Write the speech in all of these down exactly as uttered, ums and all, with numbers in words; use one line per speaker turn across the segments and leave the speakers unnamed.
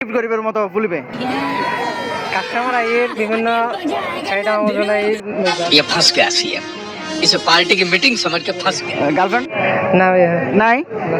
গরিবের মতো বলবে
কাস্টমার আইয়ের বিভিন্ন চাহিদা অনুযায়ী
ये फंस गया सीएम इसे पार्टी की मीटिंग समझ के फंस गया
গার্লফ্রেন্ড
না ভাইয়া,
নাই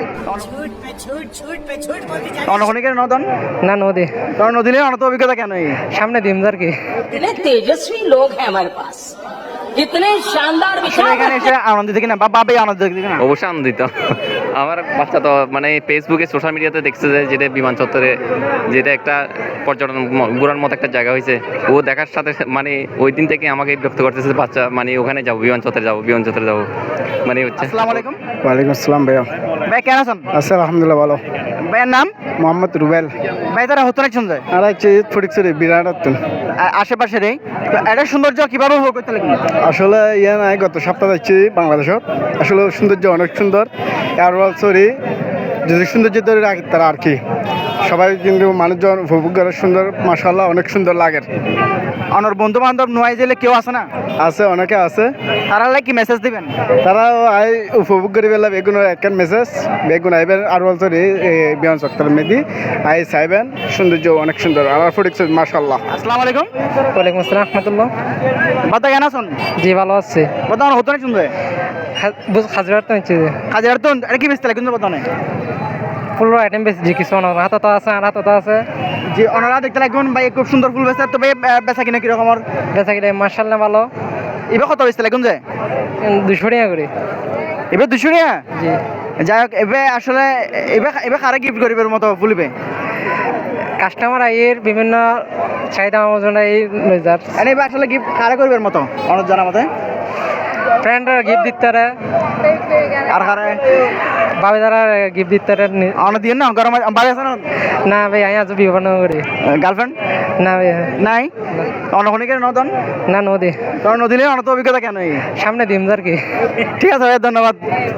অনখনিকের নদন
না নদী
কারণ নদীলে অনত অভিজ্ঞতা কেন এই
সামনে দিমদার কি
इतने तेजस्वी लोग हैं हमारे पास इतने शानदार
আসলে এখানে এসে আনন্দ দেখি না বা বাবে আনন্দ দেখি না
অবশ্যই আনন্দিত। আমার বাচ্চা তো মানে ফেসবুকে সোশ্যাল মিডিয়াতে দেখছে যে যেটা বিমান চত্বরে যেটা একটা পর্যটন ম- ঘোরার মতো একটা জায়গা হয়েছে, ও দেখার সাথে মানে ওই দিন থেকে আমাকে বিরক্ত করতেছে যে বাচ্চা মানে ওখানে যাবো, বিমান চত্বরে যাবো, বিমান চত্বরে যাবো মানে হচ্ছে।
আসসালামু আলাইকুম
ওয়ালাইকুম আসসালাম ভাইয়া।
ভাই কেন আছেন?
আচ্ছা আলহামদুলিল্লাহ ভালো।
ভাইয়ের নাম?
মোহাম্মদ রুবেল।
ভাই তারা হতো না শুনছে
আর হচ্ছে ফটিকছড়ি বিরাট আত্মন।
আশেপাশের এই তো এটা সৌন্দর্য কিভাবে উপভোগ করতে লাগবে?
আসলে ইয়ে নাই, গত সপ্তাহ যাচ্ছি বাংলাদেশত। আসলে সৌন্দর্য অনেক সুন্দর। আর সরি যদি সৌন্দর্য ধরে রাখি তারা আর কি সবাই কিন্তু মানুষজন উপভোগ করে সুন্দর, মাশাআল্লাহ অনেক সুন্দর লাগে।
আমার বন্ধু বান্ধব নোয়াই জেলে কেউ আছে না?
আছে, অনেকে আছে।
তারা লাগে কি মেসেজ দিবেন?
তারাও আই উপভোগ করে পেলাম বেগুন একখান মেসেজ বেগুন আইবেন আর সরি বিমান চত্বর মেদি আই চাইবেন, সৌন্দর্য অনেক সুন্দর। আর ফটিকছড়ি মাশাআল্লাহ।
আসসালামু আলাইকুম।
ওয়ালাইকুম আসসালাম রহমতুল্লাহ।
বাতা কেন আছেন?
জি ভালো আছে।
বাতা আমার হতো না শুনছে
হাজিরার তো নিচ্ছে
কাজের তো এটা কি বেচতে লাগে কিন্তু বাতা নেই
ফুল আইটেম বেশি যে কিছু অনার হাতে তো আছে, আর হাতে তো আছে।
যে ওনারা দেখতে লাগবেন ভাই খুব সুন্দর ফুল বেচতে, তবে বেচা কিনা কিরকম? আর
বেচা কিনে মার্শাল্লাহ ভালো।
এবার কত বেচতে লাগুন যে
দুশো টাকা করে।
এবার দুশো টাকা?
জি
যাই হোক, এবার আসলে এবার এবার কারা গিফট গরিবের মতো ফুলবে
কাস্টমার আইয়ের বিভিন্ন চাহিদা অনুযায়ী যার
এনে এবার আসলে গিফট কারা গরিবের মতো অনেক জানা মতে
ফ্রেন্ডরা গিফট দিতে পারে,
আর কারা
ভাবে তারা গিফট দিতে পারে।
অনেক দিয়ে না গরম বাড়ি আছে না?
না ভাই আমি আজ বিবাহ করি।
গার্লফ্রেন্ড
না ভাই,
নাই অনখনিকের নদন
না নদী
কারণ নদীলে অনত অভিজ্ঞতা কেন এই
সামনে দিমদার কি।
ঠিক আছে ভাই, ধন্যবাদ।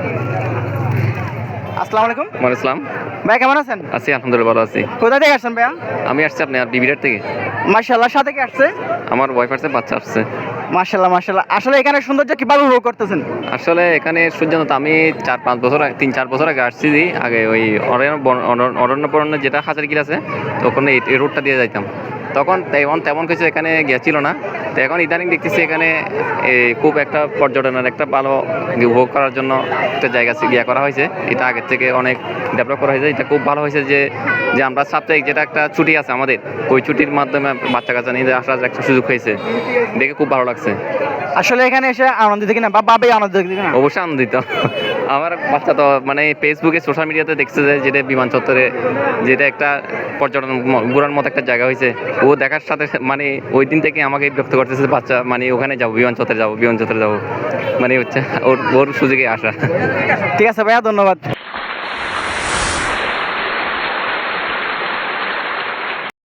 আসসালামু আলাইকুম।
ওয়ালাইকুম আসসালাম।
ভাই কেমন আছেন?
আছি আলহামদুলিল্লাহ ভালো আছি।
কোথা থেকে আসছেন ভাইয়া?
আমি আসছি আপনার বিবিরাট থেকে।
মাশাআল্লাহ, সাথে কি আসছে?
আমার ওয়াইফ আসছে, বাচ্চা আসছে।
মাশাআল্লাহ মাশাআল্লাহ। আসলে এখানে সৌন্দর্য কিভাবে উপভোগ করতেছেন?
আসলে এখানে সূর্যন্ত আমি চার পাঁচ বছর আগে- তিন চার বছর আগে আসছি। যে আগে ওই অরণ্য বন- অরণ্য- অরণ্যপরণ্য যেটা হাজারগির আছে, তো ওখানে এই- এই রোডটা দিয়ে যাইতাম। তখন তেমন তেমন কিছু এখানে গিয়েছিল না। তো এখন ইদানিং দেখতেছি এখানে এই খুব একটা পর্যটনের একটা ভালো উপভোগ করার জন্য একটা জায়গা ইয়ে করা হয়েছে। এটা আগের থেকে অনেক ডেভেলপ করা হয়েছে। এটা খুব ভালো হয়েছে যে যে আমরা সাপ্তাহিক যেটা একটা ছুটি আছে আমাদের, ওই ছুটির মাধ্যমে বাচ্চা কাচ্চা নিয়ে আসার একটা সুযোগ হয়েছে, দেখে খুব ভালো লাগছে।
আসলে এখানে এসে আনন্দ দেখি না বা বাবে আনন্দ দেখি না
অবশ্যই আনন্দিত। আমার বাচ্চা তো মানে ফেসবুকে সোশ্যাল মিডিয়াতে দেখছে যে যেটা বিমান চত্বরে যেটা একটা পর্যটন ম- ঘোরার মতো একটা জায়গা হয়েছে, ও দেখার সাথে মানে ওই দিন থেকে আমাকে বিরক্ত করতেছে যে বাচ্চা মানে ওখানে যাবো, বিমান চত্বরে যাবো, বিমান চত্বরে যাবো মানে হচ্ছে ওর ওর সুযোগে আসা।
ঠিক আছে ভাইয়া, ধন্যবাদ।